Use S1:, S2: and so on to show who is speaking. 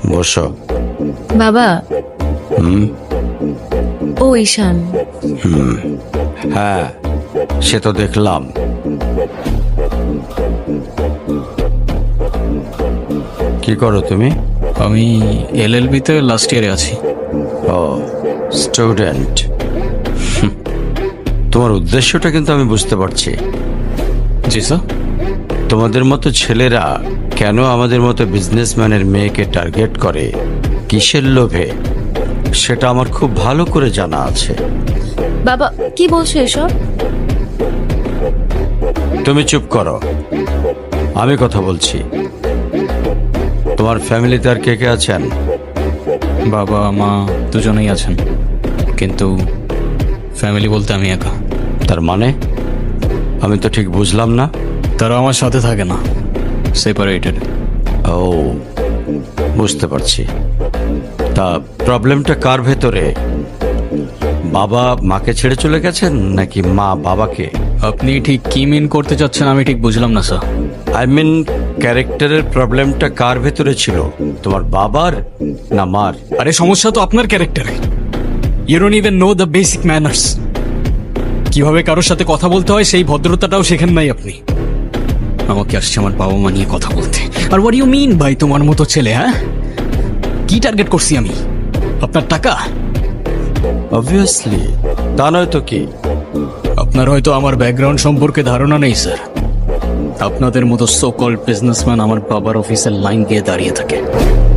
S1: বসো।
S2: বাবা। ও ঈশান।
S1: হ্যাঁ, সে তো দেখলাম। কি করো তুমি?
S3: আমি এলএলবি-তে লাস্ট ইয়ারে আছি।
S1: ও, স্টুডেন্ট। তোমার উদ্দেশ্যটা কিন্তু আমি বুঝতে পারছি।
S3: জি স্যার।
S1: তোমাদের মতো ছেলেরা কেন আমাদের মতো বিজনেসম্যানের মেয়েকে টার্গেট করে, কিসের লোভে, সেটা আমার খুব ভালো করে জানা আছে।
S2: বাবা কি বলছো এসব?
S1: তুমি চুপ করো, আমি কথা বলছি। তোমার ফ্যামিলিতে আর কে কে আছেন?
S3: বাবা মা দুজনেই আছেন, কিন্তু ফ্যামিলি বলতে আমি একা।
S1: তার মানে আমি তো ঠিক বুঝলাম না।
S3: তারা আমার সাথে থাকে না, সেপারেটেড।
S1: ও, বুঝতে পারছি। তা প্রবলেমটা কার ভেতরে? বাবা মাকে ছেড়ে চলে গেছেন নাকি মা বাবাকে?
S3: আপনি ঠিক কি মিন করতে চাচ্ছেন আমি ঠিক বুঝলাম না স্যার।
S1: আই মিন, ক্যারেক্টারের প্রবলেমটা কার ভেতরে ছিল, তোমার বাবার না মার?
S3: আরে সমস্যা তো আপনার ক্যারেক্টারে। You don't even know the basic manners. কিভাবে কারোর সাথে কথা বলতে হয় সেই ভদ্রতাটাও শেখেন নাই আপনি। আমাকে আসছে আমার বাবা মা নিয়ে কথা বলতে। আর হোয়াট ইউ মিন ভাই তোমার মতো ছেলে? হ্যাঁ, কি টার্গেট করছি আমি? আপনার টাকা?
S1: অবভিয়াসলি, তা নয় তো কি?
S3: আপনার হয়তো আমার ব্যাকগ্রাউন্ড সম্পর্কে ধারণা নেই স্যার। আপনাদের মতো সো কল্ড বিজনেসম্যান আমার বাবার অফিসের লাইন দিয়ে দাঁড়িয়ে থাকে।